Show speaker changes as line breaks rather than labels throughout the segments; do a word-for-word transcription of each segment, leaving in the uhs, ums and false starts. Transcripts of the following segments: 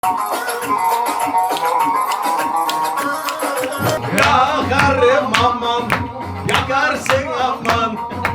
Yakarım aman, yakarsın aman.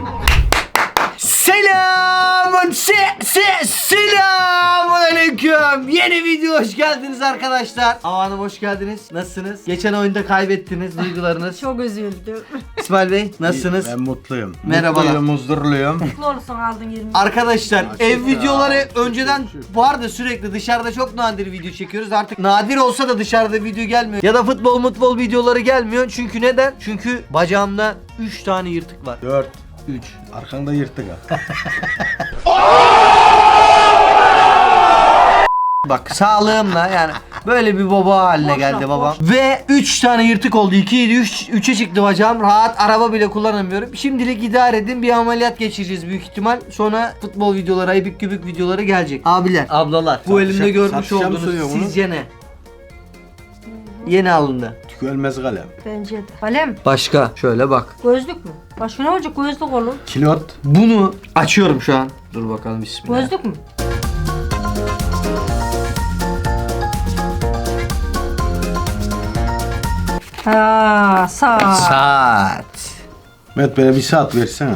Selamun se se selamun aleyküm. Yeni video hoş geldiniz arkadaşlar. Hava Hanım hoş geldiniz. Nasılsınız? Geçen oyunda kaybettiniz, duygularınız.
Çok üzüldüm.
İsmail Bey nasılsınız?
Ben mutluyum.
Merhabalar.
Mutluyum, huzurluyum.
Mutlu olursun aldın yirmi.
Arkadaşlar
Ya,
ev
çok
videoları
ya.
önceden vardı, sürekli dışarıda çok nadir video çekiyoruz. Artık nadir olsa da dışarıda video gelmiyor. Ya da futbol futbol videoları gelmiyor. Çünkü neden? Çünkü bacağımda üç tane yırtık var.
Dört.
üç.
Arkanda yırtık ha.
Bak sağlığımla yani böyle bir baba haline
Boş
geldi
ver,
babam.
boş.
Ve üç tane yırtık oldu. ikiydi üç üçe çıktı bacağım. Rahat araba bile kullanamıyorum. Şimdilik idare edin. Bir ameliyat geçireceğiz büyük ihtimal. Sonra futbol videoları, ayıbık gübük videoları gelecek. Abiler, ablalar. Bu
Satışa-
elimde görmüş
satışa mı
olduğunuz
sunuyor bunu?
sizce ne? Yeni alındı.
Tükölmez kalem.
Bence de. Kalem.
Başka şöyle bak.
Gözlük mü? Başka ne olacak? Gözlük olur.
Kilot.
Bunu açıyorum şu an. Dur bakalım bismillah.
Gözlük mü? Ha, saat.
Saat.
Mehmet böyle bir saat versene.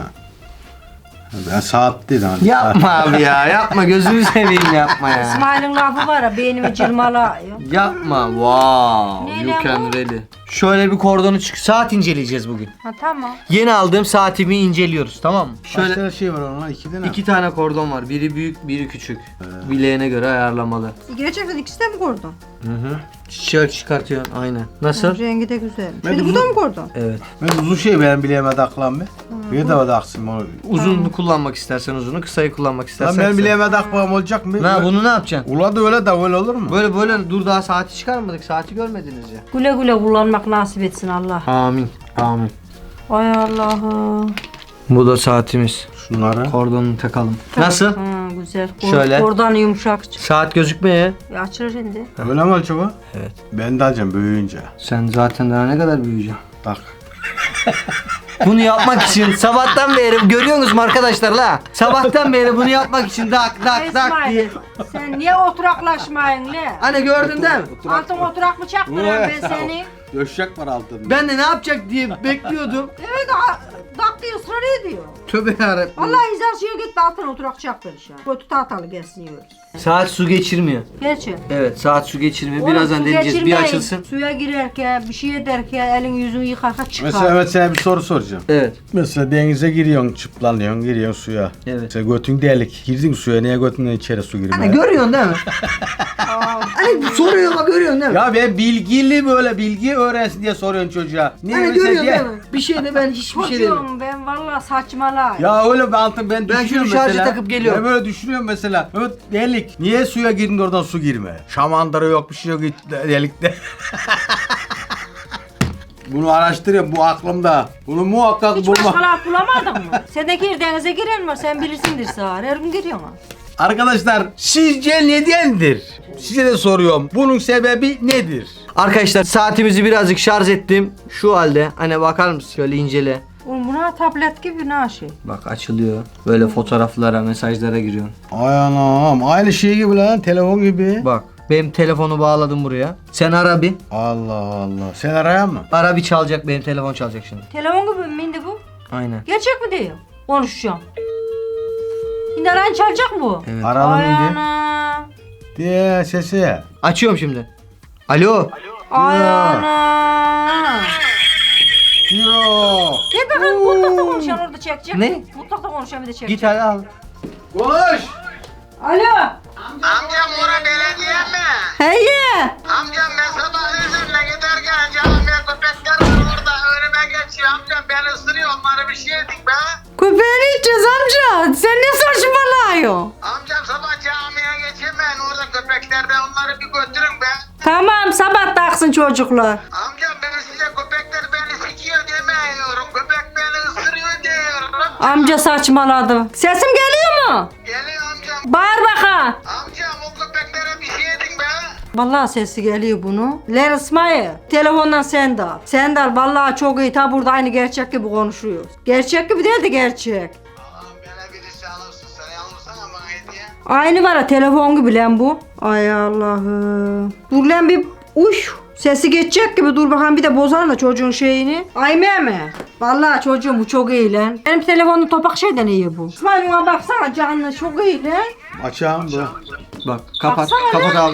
Ben saat değil hani.
Yapma abi ya, yapma, gözünü seveyim, yapma ya.
İsmail'in lafı var ya, beynimi cırmalıyor.
Yapma. Wow.
Neyle
You can
bu?
really. Şöyle bir kordonu çık. Saat inceleyeceğiz bugün.
Ha tamam.
Yeni aldığım saatimi inceliyoruz, tamam mı?
Şöyle. Kaç
Şöyle
tane şey var ona? İki tane.
iki tane kordon var. Biri büyük, biri küçük. Bileğine göre ayarlamalı.
Gerçekten ikisi de mi kordon?
Hı hı.
Şöyle çıkartıyorsun aynen. Nasıl?
Rengi de güzel.
Ben
Şimdi
de
bu da
bu-
mı kordon?
Evet.
Ben uzun şey benim bileğime taklan be. Bir de taksın onu.
Uzunlu kullanmak istersen uzunu, kısayı kullanmak
Lan
istersen
benim
kısa.
bileğime takmam olacak mı?
Ne bunu ne yapacaksın?
Ula da öyle de öyle olur mu?
Böyle böyle dur, daha saati çıkarmadık. Saati görmediniz ya.
Güle güle kullanmak nasip etsin Allah.
Amin. Amin.
Ay Allah'ım.
Bu da saatimiz.
Şunları.
Kordonunu takalım. Nasıl?
Ha, güzel. Kor-
Şöyle.
Kordon yumuşak.
Saat gözükmeye.
Ya açılır şimdi.
Öyle mi acaba?
Evet.
Ben de alacağım büyüyünce.
Sen zaten daha ne kadar büyüyeceksin?
Tak.
Bunu yapmak için sabahtan beri görüyorsunuz mu arkadaşlar la? Sabahtan beri bunu yapmak için dak dak dak diye.
İsmail, sen niye oturaklaşmayın le?
Hani gördün değil mi?
Altın oturak mı çaktıran ben seni?
Döşek var altında.
Ben de ne yapacak diye bekliyordum.
Evet, a- dak diye ısrar ediyor.
Tövbe yarabbim.
Allah izah şeye git de altın oturak çaktır şu an. Kötü tahtalı gelsin yiyoruz.
Saat su geçirmiyor.
Gerçi.
Evet, saat su geçirmiyor.
Oğlum,
Birazdan
su
deneyeceğiz. Bir
geçirmeyin.
açılsın.
Suya girerken, bir şey ederken, elin yüzünü yıkarken çıkar.
Mesela evet sana bir soru soracağım.
Evet.
Mesela denize giriyorsun, çıplanıyorsun, giriyorsun suya.
Evet.
Mesela götün delik. Girdin suya, niye götünden içeri su girmeye?
Hani görüyorsun değil mi? Hani soruyor bak, görüyorsun değil mi?
Ya ben bilgili böyle bilgi öğrensin diye soruyorsun çocuğa. Niye
Hani
öyle
görüyorsun
diye?
değil mi? Bir şeyde ben hiçbir şey demiyorum.
Çocuğum ben vallahi saçmalayım.
Ya öyle ben altın ben,
Ben
düşünüyorum
şunu şarja
mesela.
takıp geliyorum.
Ben böyle düşünüyorum mesela. Evet delik. Niye suya girdin de oradan su girme? Şamandıra yok, bir şey yok delikte. Bunu araştırıyorum, bu aklımda. Bunu muhakkak
Hiç
bulma.
başka laf bulamadın mı? Sen de gir denize giren var, sen bilirsindir sağır. Her gün giriyorsun ha.
Arkadaşlar sizce nedendir? Size de soruyorum. Bunun sebebi nedir?
Arkadaşlar saatimizi birazcık şarj ettim. Şu halde. Hani bakar mısın? Şöyle incele.
Oğlum buna tablet gibi ne şey.
Bak açılıyor. Böyle fotoğraflara, mesajlara giriyorsun.
Ay anam, aynı şey gibi lan, telefon gibi.
Bak benim telefonu bağladım buraya. Sen ara bir.
Allah Allah. Sen arayan mı?
Ara bir, çalacak, benim telefon çalacak şimdi.
Telefon gibi mi indi bu?
Aynen.
Gerçek mi diyor? Konuşacağım. Şimdi aran çalacak mı bu?
Evet.
Aralım
Ay
indi.
ana.
Diye sesi.
Açıyorum şimdi. Alo.
Ay
Ya.
ana.
Yo.
Gel bakalım mutfakta konuşan orada çekecek.
Ne?
Mutfakta konuşan bir de çekecek.
Git hadi al.
Konuş.
Alo.
Amcam ora belediye mi?
Hey.
Amcam ben sabah üzerine giderken camiye köpekler var orada önüme geçiyor. Amcam beni ısırıyor, onlara bir şey edin be.
Köpeğini içeceğiz amca. Sen ne saçmalıyorsun?
Amcam sabah camiye geçemeyin, orada köpekler de onları bir götürün be.
Tamam, sabah taksın çocuklar.
Amcam ben size köpekler beni sikiyor demiyorum. Köpek beni ısırıyor diyorum.
Amca saçmaladı. Sesim geliyor mu?
Geliyor amcam.
Bağır bakalım.
Amcam o köpeklere bir şey edin be.
Vallahi sesi geliyor bunu. Ler İsmail, telefondan sen de al. Sen de al, vallahi çok iyi. Ta burada aynı gerçek gibi konuşuyoruz. Gerçek gibi değil de gerçek.
Allah'ım bana birisi alırsın, sen alırsana bana hediye.
Aynı var ya telefon gibi lan bu. Ay Allah'ım. Dur lan bir uş. Sesi geçecek gibi dur bakalım bir de bozar da çocuğun şeyini. Ay meme. Vallahi çocuğum bu çok iyi lan. Benim telefonum topak şeyden iyi bu. İsmail buna baksana canlı çok iyi lan.
Açağım bu.
Bak kapat.
Baksana
Kapat abi.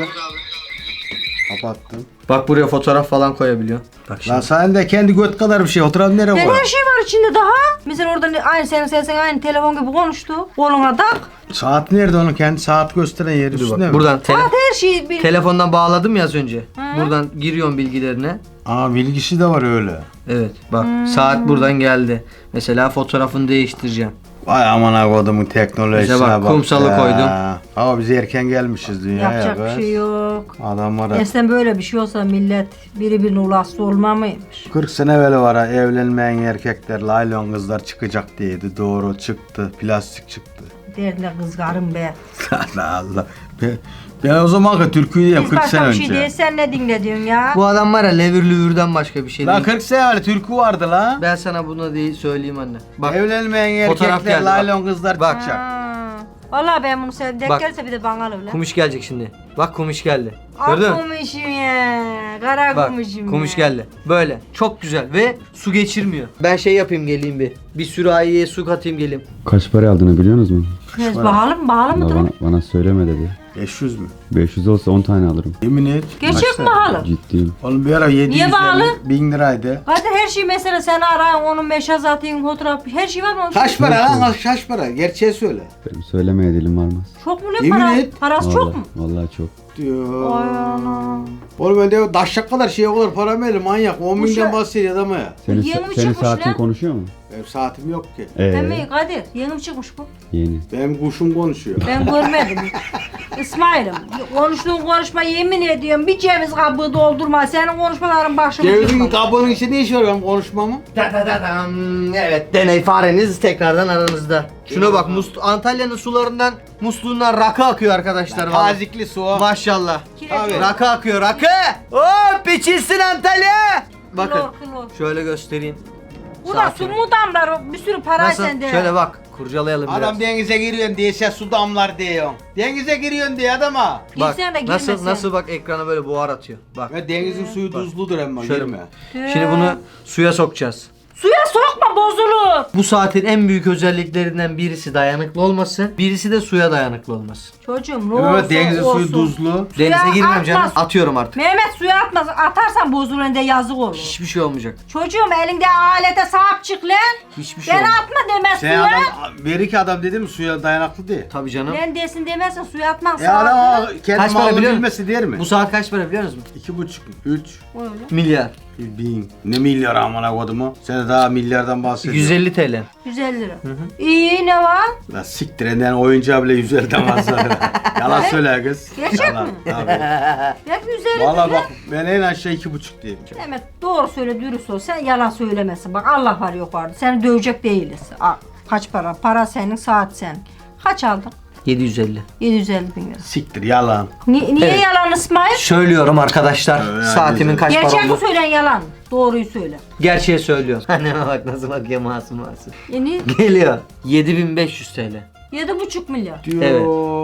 Kapattım.
Bak buraya fotoğraf falan koyabiliyor. Bak şimdi.
Lan sen de kendi göt kadar bir şey oturan nereye
Ne
koy?
her şey var içinde daha. Mesela orada ne- aynı senin sesin aynı telefon gibi konuştu. Koluna tak.
Saat nerede onun kendi saat gösteren yeri
Dur
üstünde
bak.
mi?
Buradan tele-
Saat her şeyi bir.
telefondan bağladım ya az önce. Buradan giriyorsun bilgilerine.
Aa bilgisi de var öyle.
Evet bak saat buradan geldi. Mesela fotoğrafını değiştireceğim.
Vay aman kodumun teknolojisine
Bize bak,
bak.
kumsalı
ya.
koydum.
Ama biz erken gelmişiz dünyaya.
Yapacak bir
kız.
şey yok.
Adam var ya.
Eskiden böyle bir şey olsa millet biri birine ulaştı olmamaymış.
kırk sene evvel var ha evlenmeyen erkekler laylon kızlar çıkacak diyeydi. Doğru çıktı. Plastik çıktı.
Derler kızgarım be.
Allah Allah. Ben, ben o zaman türküyü diyeyim
Biz
kırk sene
başka bir şey
önce.
değil sen ne dinle diyorsun ya?
Bu adam var ya levür lüvürden başka bir şey
Lan
değil.
kırk sene evvel türkü vardı lan.
Ben sana bunu değil söyleyeyim anne. Bak
Evlenmeyen
fotoğraf
erkekler
geldi bak.
laylon kızlar
Bak.
çıkacak.
Ha. Vallahi ben bunu sevdim. Denk
Bak.
gelirse bir de bana öyle.
kumiş gelecek şimdi. Bak kumiş geldi. Gördün mü?
Ah kumuşum ya. Kara
Bak
kumuşum
kumiş
ya.
geldi. Böyle çok güzel ve su geçirmiyor. Ben şey yapayım geleyim bir. Bir sürahiye su katayım geleyim.
Kaç para aldığını biliyor musunuz?
Biz pahalı mı? Pahalı
Valla
mıdır?
bana, bana söyleme dedi.
beş yüz mü?
beş yüz olsa on tane alırım.
Yemin et.
Gerçek mi pahalı?
Ciddiyim.
Oğlum bir ara yedi yüz
bağlı?
bin liraydı.
Zaten her şey mesela sen arayın onun meşaz atayım fotoğraf her şey var mı?
Kaç para lan? Kaç para? Gerçeği söyle.
Benim söylemeye dilim varmaz.
Çok mu ne
Yemin
para?
et.
Parası çok
Vallahi-
mu?
Vallahi çok.
Diyor.
Ay ana.
Oğlum ben de daşak kadar şey o kadar para mı öyle manyak? on
Bu
binden
şey-
bahsediyor adamı ya.
Senin,
Yeni mi
sa- senin
çıkmış
saatin
lan?
konuşuyor mu?
Benim saatim yok ki.
Ee,
Demeyi Kadir yeni mi çıkmış bu?
yeni.
Benim kuşum konuşuyor.
Ben görmedim. İsmail'im konuştuğun konuşma yemin ediyorum bir ceviz kabuğu doldurma senin konuşmaların başımı
Cevizin
yıkma.
kabuğunun içinde ne iş var benim konuşmamın?
Da da da dam. Evet deney fareniz tekrardan aranızda. Şuna bak mus- Antalya'nın sularından musluğundan rakı akıyor arkadaşlar. vallahi.
Tazikli su o.
Maşallah.
Abi.
Rakı akıyor rakı. Hop içilsin Antalya. Bakın
Klor, klor.
şöyle göstereyim.
Bu da
Saati.
su mu damlar bir sürü para
Nasıl?
sende.
Şöyle bak kurcalayalım
Adam
biraz.
denize giriyorsun diye sen su damlar diyorsun. Denize giriyorsun diye adama.
Bak
Girsen de
nasıl
girmesen.
nasıl bak ekrana böyle buhar atıyor. Bak.
Ve denizin suyu tuzludur ama
Şöyle.
girme.
Şimdi bunu suya sokacağız.
Suya sokma bozulur.
Bu saatin en büyük özelliklerinden birisi dayanıklı olması, birisi de suya dayanıklı olması.
Çocuğum ne olsun
Evet denizin
olsun.
suyu tuzlu.
Suya
Denize girmem
atma.
canım. Atıyorum artık.
Mehmet suya atmaz. Atarsan bozulur de yazık olur.
Hiçbir şey olmayacak.
Çocuğum elinde alete sahip çık lan.
Hiçbir şey
Ben
olmayacak.
atma demez
Sen
suya.
adam, bir iki adam dedi mi suya dayanaklı değil.
Tabii canım.
Ben desin demezsen suya atmaz.
E adam kendi
Kaç para
malını
biliyor musun?
bilmesi der mi?
Bu saat kaç para biliyor musun?
İki buçuk, üç,
Öyle.
Milyar.
bin. Ne milyar amına kodumu? Sen daha milyardan bahsediyorsun.
yüz elli TL.
yüz elli lira. İyi ne var?
La siktir eden oyuncağı bile yüz elden fazla. Yalan söyle kız.
Gerçek
Yalan,
mi?
tabii.
Hep yüz elli
Valla
lira.
bak ben en aşağı iki buçuk diyeyim.
Mehmet doğru söyle dürüst ol. Sen yalan söylemesin. Bak Allah var yok vardı. Seni dövecek değiliz. Aa, kaç para? Para senin, saat senin. Kaç aldın?
yedi yüz elli.
yedi yüz elli bin lira.
Siktir yalan.
Ni- niye
Evet.
yalan İsmail?
Söylüyorum arkadaşlar.
Öyle
saatimin
güzel.
kaç para
Gerçek mi
oldu?
söyleyen yalan? Doğruyu söyle.
Gerçeği söylüyorum. Anneme bak nasıl bakıyor masum masum.
Yani
Geliyor. yedi bin beş yüz TL.
yedi buçuk milyar.
Diyor.
Evet.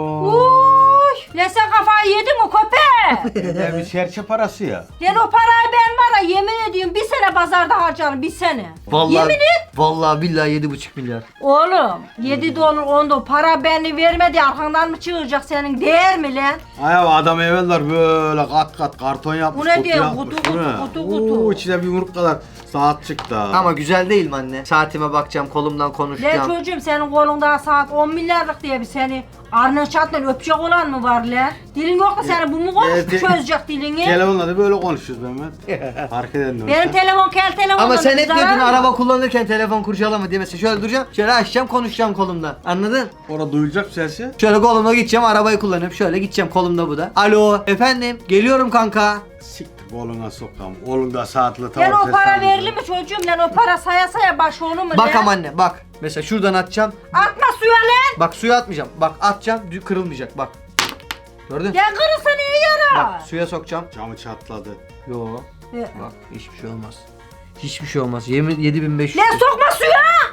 Uy, lan sen kafayı yedin mi köpek?
Ya bir serçe parası ya.
Lan o parayı ben var ya yemin ediyorum bir sene pazarda harcarım bir sene.
Vallahi,
Yemin et.
Vallahi billahi yedi buçuk milyar.
Oğlum yedi dolar on dolar para beni vermedi arkandan mı çığıracak senin değer mi lan?
Ay abi adam evveller böyle kat kat karton yapmış.
Bu ne
kutu
diyor?
yapmış,
Kutu,
bu
kutu,
ne?
kutu, kutu.
Oo, içine bir yumruk kadar saat çıktı. ha.
Ama güzel değil mi anne? Saatime bakacağım, kolumdan
Lan
konuşacağım.
çocuğum senin kolunda saat on milyarlık diye bir seni arna çatla öpecek olan mı var lan? Dilin yok da seni bu mu konuş
Evet,
çözecek dilini?
Telefonla da böyle konuşuyoruz Mehmet. Fark eden de
Benim telefon kel telefon.
Ama sen hep diyordun araba kullanırken telefon kurcalama diye mesela şöyle duracağım, şöyle açacağım, konuşacağım kolumda. Anladın?
Orada duyulacak sesi.
Şöyle kolumda gideceğim, arabayı kullanıp şöyle gideceğim, kolumda bu da. Alo, efendim, geliyorum kanka.
Siktir koluna sokam. Oğlum da saatli
Lan
tamam.
o para verili mi çocuğum lan o para saya saya baş onu mu
Bak
lan?
ama anne, bak. Mesela şuradan atacağım.
Atma suya lan.
Bak suya atmayacağım. Bak atacağım, dü- kırılmayacak. Bak. Gördün?
Ya kırılsa niye yara?
Bak suya sokacağım.
Camı çatladı.
Yo.
Ya.
Bak hiçbir şey olmaz. Hiçbir şey olmaz. Yemin yedi bin beş yüz.
Lan sokma suya.
Bak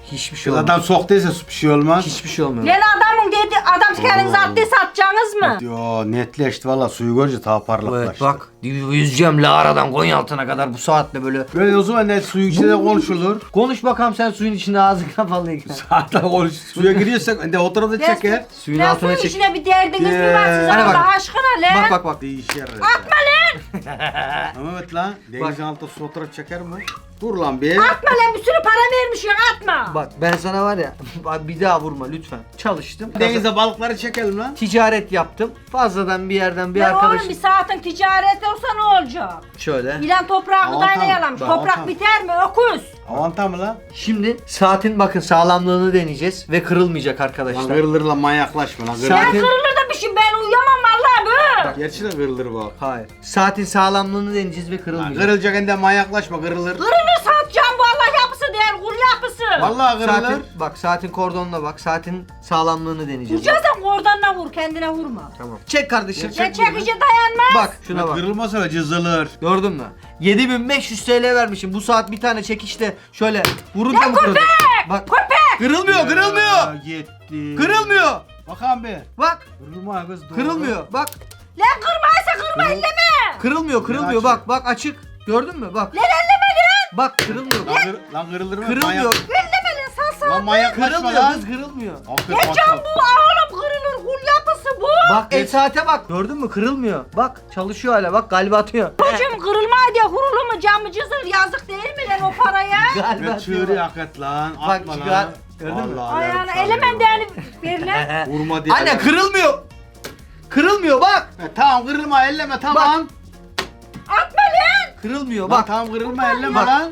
Hiçbir şey olmaz.
Adam soktuysa bir şey olmaz.
Hiçbir şey olmuyor.
Lan adamın dedi adam kendiniz attıysa atacaksınız mı?
Yo netleşti valla suyu görünce daha
Evet
parlaklaştı.
bak yüzeceğim Lara'dan Konyaaltı'na kadar bu saatte böyle.
Böyle o zaman ne suyun içinde de konuşulur.
Konuş bakalım sen suyun içinde ağzın kapalıyken.
Hatta konuş. Suya giriyorsak de o tarafta çeker.
Suyun
Lan
altına
suyun
çek.
içine bir derdiniz mi var sizin
Hadi bak.
Allah aşkına lan?
Bak bak bak.
Değişir.
Atma lan!
Ama evet lan. Denizin altında su taraf çeker mi? Dur lan bir.
Atma lan bir sürü para vermiş ya atma.
Bak ben sana var ya bak bir daha vurma lütfen. Çalıştım.
Denize balıkları çekelim lan.
Ticaret yaptım. Fazladan bir yerden bir
Ya
arkadaş.
oğlum bir saatin ticareti olsa ne olacak?
Şöyle.
İlan toprağı
Aman
gıdayla
tamam,
yalamış.
bak,
Toprak
tamam.
biter mi? Öküz.
Avanta mı lan?
Şimdi saatin bakın sağlamlığını deneyeceğiz ve kırılmayacak
Lan
arkadaşlar.
kırılır lan manyaklaşma lan.
Saat-
Kırılır.
Ben
Zaten-
kırılır da bir şey ben uyuyamam vallahi bu.
Gerçi de kırılır bak.
Hayır. Saatin sağlamlığını deneyeceğiz ve
Lan
kırılmayacak.
kırılacak hem de manyaklaşma kırılır.
Kırılır satacağım bu Allah yapısı değil kul yapısı.
Vallahi kırılır.
Saatin, bak saatin kordonuna bak. Saatin sağlamlığını deneyeceğiz.
Vuracaksan oradan vur kendine vurma.
Tamam. Çek kardeşim.
Ya çekici dayanmaz.
Bak şuna bak.
Kırılmasa da cızılır.
Gördün mü? yedi bin beş yüz T L vermişim. Bu saat bir tane çekişte şöyle vurunca mı kırılır? Bak.
Köpek.
Kırılmıyor, kırılmıyor.
Ya, Gitti.
Kırılmıyor.
Bakalım bir.
Bak.
Kırılma kız doğru.
Kırılmıyor. Bak.
Lan kırmaysa kırma elleme.
Kırılmıyor, kırılmıyor.
açık.
Bak, bak açık. Gördün mü? Bak.
Lan elleme lan.
Bak kırılmıyor.
Lan, kır, lan kırılır mı?
Kırılmıyor.
Elleme lan sal sal.
Lan manyaklaşma
Kırılmıyor
lan.
kız kırılmıyor.
Aferin,
Ne can
bak,
bu oğlum kırılır kul yapısı bu.
Bak el saate bak. Gördün mü? Kırılmıyor. Bak çalışıyor hala. Bak kalbi atıyor.
Hocam kırılma diye hurulu mu camı cızır yazık değil mi lan o paraya?
Kalbi
Ne
atıyor.
çığırı hakikat lan.
Bak,
Atma
çıkar.
lan.
Gördün mü?
Allah
Ayağına
yarım
elemen
sarıyor.
değerli ver lan.
Vurma diye.
Anne kırılmıyor. Kırılmıyor bak.
E, tamam kırılma elleme tamam.
Atma lan.
Kırılmıyor
Bak
bak.
tamam kırılma elleme
Bak.
lan.
Lan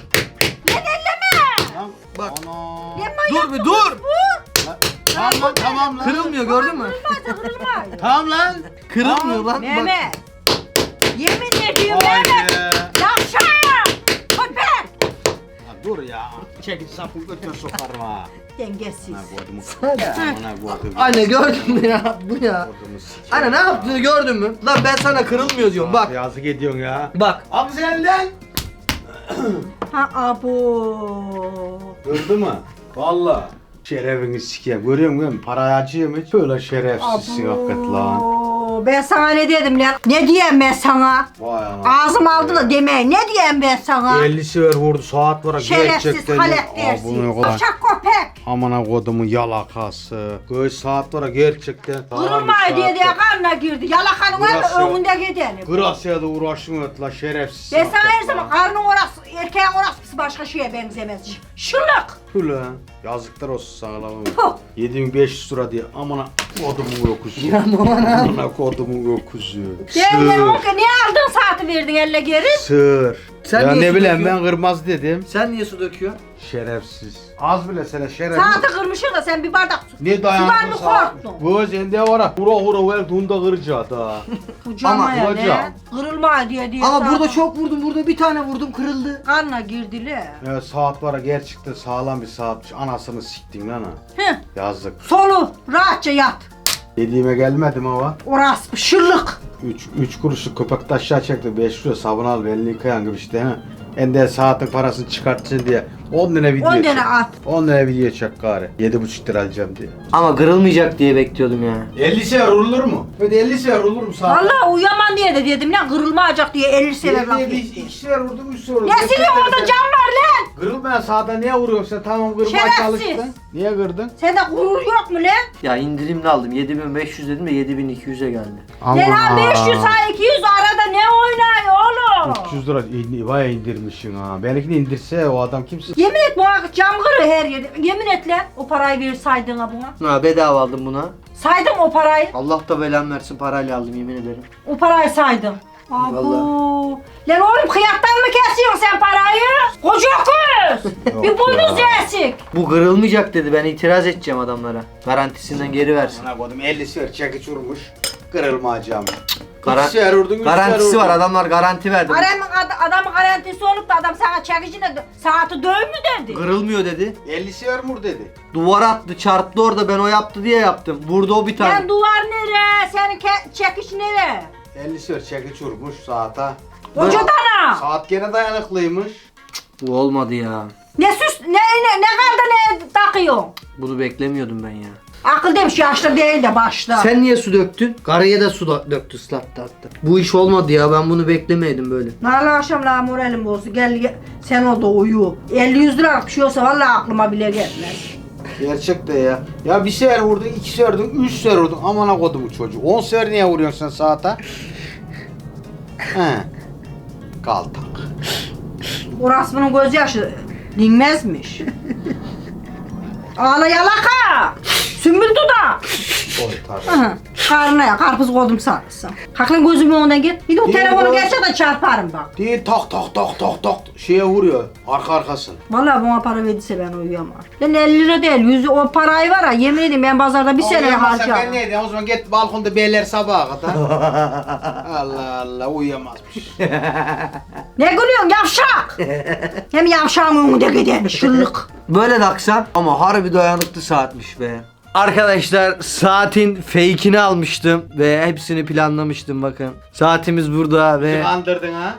elleme.
Lan,
Bak.
Ana.
Lan
Dur bir dur.
Lan, Tamam lan tamam lan.
Kırılmıyor gördün mü?
Kırılmazsa kırılmaz.
Tamam lan.
Kırılmıyor lan. Bak.
Mehmet. Yemin ediyorum
Vay
Mehmet.
be.
Yavşak. Köpek.
Lan dur ya. Çekil sapın götür sokarım ha.
Dengesiz.
Ana kodumu. Ana kodumu.
Anne gördün mü ya? Bu ya.
Kodumu sikeyim.
Anne ne yaptığını gördün mü? Lan ben sana kırılmıyor diyorum bak.
Yazık ediyorsun ya.
Bak.
Abi senden.
Ha abo.
Gördü mü? Valla. Şerefini sikeyim. Görüyor musun? Para acıyor hiç? Böyle şerefsizsin hakikaten lan.
Abo. Ben sana ne dedim lan? Ne diyeyim ben sana?
Vay ana.
Ağzım aldı da demeyin. Ne diyeyim ben sana?
elli sever vurdu saat var.
Şerefsiz halet
Aa, bunu
dersin.
kadar.
Alçak köpek.
Amına kodumun yalakası. Göğüs saat var gerçekten.
Kırılmay diye diye karnına girdi. Yalakanın var
Burası-
mı önünde gidelim.
Grasya'da uğraşmıyor la şerefsiz.
Ben sana her zaman karnın orası, erkeğin orası başka şeye benzemez. Ş- Şıllık.
Ulan yazıklar olsun sana lan.
Puh.
yedi bin beş yüz lira diye amına kodumun yokuzu.
Ya bana.
Amına kodumun yokuzu.
Gel lan
Sır.
oğlum niye aldın saati verdin elle geri?
Sır.
Sen
ya
niye
ne
su
bileyim
döküyorsun?
ben kırmaz dedim.
Sen niye su döküyorsun?
Şerefsiz. Az bile sana şerefsiz.
Saati kırmışsın da sen bir bardak su.
Ne
Sudan
dayanıklı
mı
saat?
korktun?
Bu sende var ha. Hura hura ver dunda kıracağı da.
Kucağıma
Ama
ya
hocam.
ne? Kırılma diye diye.
Ama
saat-
burada çok vurdum. Burada bir tane vurdum kırıldı.
Karnına girdiler.
Ya saat var ha gerçekten sağlam bir saatmiş. Anasını siktin lan ha.
Heh.
Yazık.
Solu rahatça yat.
Dediğime gelmedim ama.
Orası şıllık.
üç üç kuruşluk köpek de aşağı çekti. beş lira sabun al elini yıkayan gibi işte ha. Ende saatin parasını çıkartsın diye on lira video
on
çek.
tane at.
on lira video çek gari. yedi buçuk lira alacağım diye.
Ama kırılmayacak diye bekliyordum ya.
elli sefer vurulur mu? Hadi elli sefer vurulur mu saat?
Vallahi uyuyaman diye de dedim lan kırılmayacak diye elli sefer laf etti.
iki sefer vurdum üç sefer vurdum.
Ne siliyorsun orada cam var lan?
Kırılmayan saate niye vuruyorsun sen? Tamam kırmaya
Şerefsiz.
çalıştın. Niye kırdın?
Sende gurur yok mu lan?
Ya indirimli aldım. yedi bin beş yüz dedim de yedi bin iki yüze geldi.
Lan ha beş yüz ha iki yüz arada ne oynuyor oğlum?
üç yüz lira in- bayağı indirmişsin ha. Benimkini indirse o adam kimse.
Yemin et bu cam kırı her yerde. Yemin et lan o parayı versaydın ha buna.
Ha bedava aldım buna.
Saydım o parayı.
Allah da belamı versin parayla aldım yemin ederim.
O parayı saydım. Abo.
Vallahi.
Lan oğlum kıyaktan mı kesiyorsun sen parayı? Koca kız.
Yok
Bir boynuz
ya.
eksik.
Bu kırılmayacak dedi. Ben itiraz edeceğim adamlara. Garantisinden geri versin.
Sana koydum elli sefer çekiç vurmuş. Kırılmayacağım.
Garan-
üç sefer vurdun, üç sefer
Garantisi
vurdun.
var. Adamlar garanti verdi.
Adamın, ad- adamın garantisi olup da adam sana çekicine dö- saati döv mü dedi?
Kırılmıyor dedi.
elli sefer vur dedi.
Duvara attı, çarptı orada. Ben o yaptı diye yaptım. Vurdu o bir tane.
Lan duvar nere? Senin ke- çekiş nere?
elli sefer çekiç vurmuş saate.
Koca dana.
Saat gene dayanıklıymış.
Bu olmadı ya.
Ne süs ne ne, ne kaldı ne takıyorsun?
Bunu beklemiyordum ben ya.
Akıl demiş yaşlı değil de başta.
Sen niye su döktün? Karıya da su da- döktü, ıslattı hatta. Bu iş olmadı ya, ben bunu beklemeydim böyle.
Nalı akşam la moralim bozdu. Gel, gel sen orada uyu. elli yüz lira bir şey olsa vallahi aklıma bile gelmez.
Gerçek de ya. Ya bir sefer vurdun, iki sefer vurdun, üç sefer vurdun. Amına kodum bu çocuğu. On sefer niye vuruyorsun sen saate? He. Kaltak.
Orası bunun gözyaşı dinmezmiş. Ağla yalaka. Sümbül duda.
Oy tabii.
Hı. Karnına ya karpuz koydum sanırsın. Kalkın gözümün önünden git. Bir de o
Değil
telefonu
mi?
gerçekten çarparım bak.
Değil tak tak tak tak tak şeye vuruyor. Arka arkasın.
Vallahi bana para verdiyse ben uyuyamam. Lan elli lira değil, yüz o parayı var ya yemin edeyim ben pazarda bir sene
Uyuyamazsan ben
harcarım.
neydim? O zaman git balkonda beyler sabaha kadar. Allah Allah uyuyamazmış.
Ne gülüyorsun yavşak? Hem yavşağın önünde gidelim şıllık.
Böyle de akşam ama harbi dayanıklı saatmiş be. Arkadaşlar saatin fake'ini almıştım ve hepsini planlamıştım bakın. Saatimiz burada
Bizi
ve
kandırdın ha?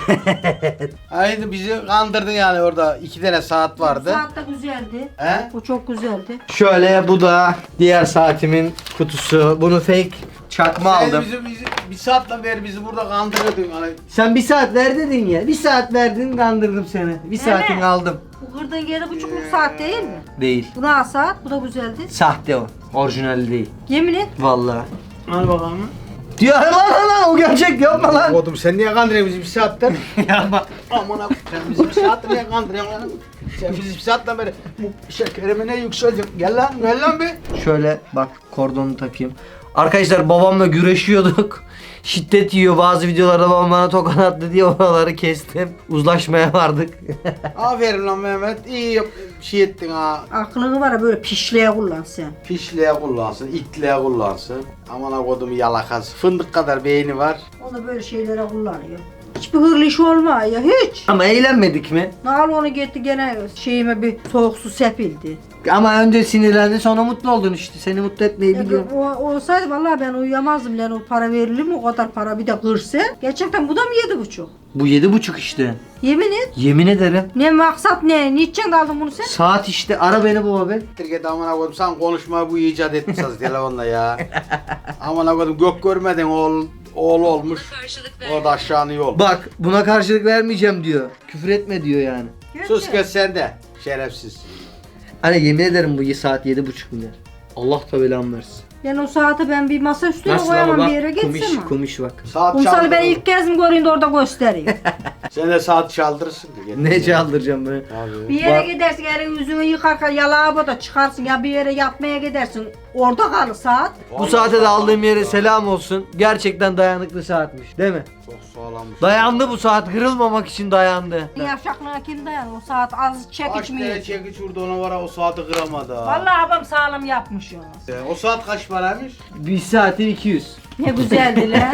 Evet. Haydi bizi kandırdın yani orada iki tane saat vardı.
Saat de güzeldi.
He?
Bu çok güzeldi.
şöyle bu da diğer saatimin kutusu. Bunu fake çakma
Sen
aldım.
bizi, bizi, bir saatten beri bizi burada kandırıyordun. Hani
Sen bir saat ver dedin ya. Bir saat verdin kandırdım seni. Bir saatini aldım.
Bu kırdığın yedi buçukluk saat değil mi?
Değil.
Bu da saat, bu da güzeldi.
Sahte o. Orijinal değil.
Yemin et.
Vallahi.
Al bakalım.
Diyor lan lan lan o gerçek yapma lan.
Oğlum sen niye kandırıyorsun bizi bir saattir?
Yapma.
Aman abi sen bizi bir saattir niye kandırıyorsun lan? Sen bizi bir saatten beri bu şekerime ne yükselecek? Gel lan gel lan bir.
Şöyle bak kordonu takayım. Arkadaşlar babamla güreşiyorduk. Şiddet yiyor, bazı videolarda babam bana tokat attı diye oraları kestim. Uzlaşmaya vardık.
Aferin lan Mehmet. İyi yap, şey ettin ha.
Aklını var ya böyle pişliğe kullan sen.
Pişliğe kullansın, itliğe kullansın. Aman ha kodumu yalakası. Fındık kadar beyni var.
O da böyle şeylere kullanıyor. Hiçbir hırlı iş olmuyor ya hiç.
Ama eğlenmedik mi?
Nal onu gitti gene şeyime bir soğuk su sepildi.
Ama önce sinirlendi sonra mutlu oldun işte. Seni mutlu etmeyi
Ya,
biliyorum.
o, olsaydı vallahi ben uyuyamazdım lan, o para verilir mi o kadar para bir de kırsa. Gerçekten bu da mı yedi buçuk?
Bu yedi buçuk işte.
Yemin et.
Yemin ederim.
Ne maksat ne? Niçin aldın bunu sen?
Saat işte, ara beni baba be.
Türkiye'de aman ha kodum sen konuşmayı bu icat etmişsiniz telefonla ya. Aman ha kodum gök görmeden oğul, oğul olmuş. O da aşağını yol.
Bak buna karşılık vermeyeceğim diyor. Küfür etme diyor yani.
Sus kız sen de. Şerefsiz.
Hani yemin ederim bu saat yedi buçuk milyar. Allah da belamı versin.
Yani o saate ben bir masa üstüne
Nasıl ama
koyamam
bak
bir yere
kumiş,
geçsem mi?
kumiş bak.
Saat
Kumsalı ben
çaldırır.
ilk kez mi göreyim de orada gösteriyor.
Sen de saat çaldırırsın.
Ne çaldıracağım ben?
Abi.
Bir yere
Bak-
gidersin, elin yüzünü yıkarken ya lavaboda çıkarsın ya bir yere yatmaya gidersin. Orada kalır saat.
Bu saate de aldığım yere selam olsun. Gerçekten dayanıklı saatmiş değil mi?
Çok sağlammış.
Dayandı bu saat, kırılmamak için dayandı.
Yavşaklığına kim dayanır? O saat az çekiç
Kaç
mi
tane
yedi?
çekiç vurdu ona var ha, o saati kıramadı ha.
Vallahi babam sağlam yapmış ya.
E, O saat kaç paraymış?
Bir saati iki yüz.
Ne güzeldi lan.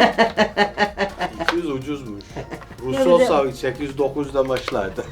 iki yüz ucuzmuş. Rus
Ne
olsa sekiz yüz dokuz yüzden başlardı.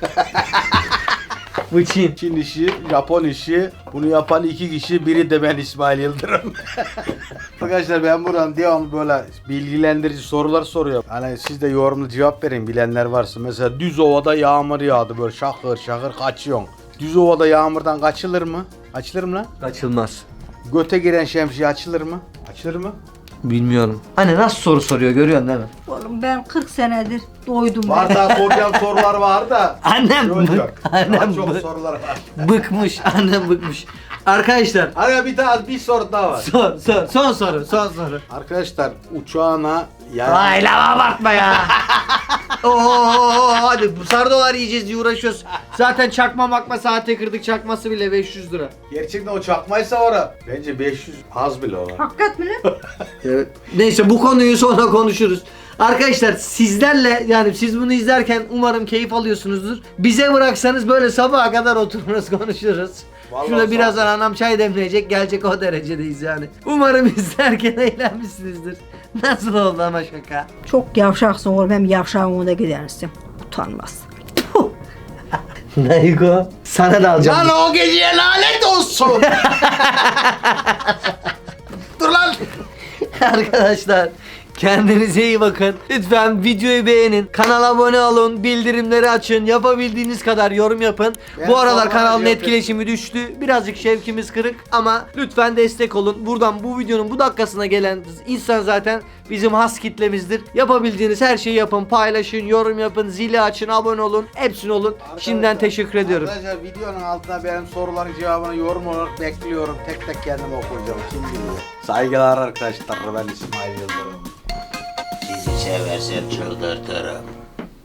Bu Çin.
Çin işi, Japon işi, bunu yapan iki kişi, biri de ben İsmail Yıldırım. Arkadaşlar ben buradan devamlı böyle bilgilendirici sorular soruyorum. Hani siz de yorumlu cevap verin bilenler varsa. Mesela Düzova'da yağmur yağdı böyle şakır şakır kaçıyorsun. Düzova'da yağmurdan kaçılır mı? Açılır mı lan?
Kaçılmaz.
Göte giren şemsiye açılır mı? Açılır mı?
Bilmiyorum. Hani nasıl soru soruyor görüyorsun değil mi?
Oğlum ben kırk senedir doydum
Var
ben.
daha soracağım sorular var da.
Annem
Yok,
bık-
yok.
annem
Daha çok
bık-
sorular var.
Bıkmış, annem bıkmış. Arkadaşlar
Hadi bir tane bir soru daha var.
son, son, son soru, son soru.
Arkadaşlar uçağına yani
Ay lava abartma ya. Oo hadi bu sardolar yiyeceğiz diye uğraşıyoruz. Zaten çakma makma saate kırdık, çakması bile beş yüz lira.
gerçekten o çakmaysa ora. Bence beş yüz az bile ola.
Hakikat mi lan?
Evet. Neyse bu konuyu sonra konuşuruz. Arkadaşlar sizlerle yani siz bunu izlerken umarım keyif alıyorsunuzdur. Bize bıraksanız böyle sabaha kadar otururuz konuşuruz.
Vallahi
Şurada
sağ
birazdan
ol.
anam çay demleyecek, gelecek o derecedeyiz yani. Umarım izlerken eğlenmişsinizdir. Nasıl oldu ama şaka?
Çok yavşaksın oğlum, hem yavşağın önünde gidersin. Utanmaz. Puh.
Naygo sana da alacağım.
Lan o geceye lanet olsun. Dur lan.
Arkadaşlar Kendinize iyi bakın. Lütfen videoyu beğenin. Kanala abone olun. Bildirimleri açın. Yapabildiğiniz kadar yorum yapın.
Ben
Bu aralar
sonra
kanalın
yapayım.
etkileşimi düştü. Birazcık şevkimiz kırık ama lütfen destek olun. Buradan bu videonun bu dakikasına gelen insan zaten bizim has kitlemizdir. Yapabildiğiniz her şeyi yapın. Paylaşın, yorum yapın, zili açın, abone olun. Hepsini olun. Şimdiden teşekkür ediyorum.
Arkadaşlar videonun altına benim soruların cevabını yorum olarak bekliyorum. Tek tek kendim okuyacağım. Şimdi saygılar arkadaşlar. Ben İsmail Yıldırım.
Sizi seversem çıldırtırım.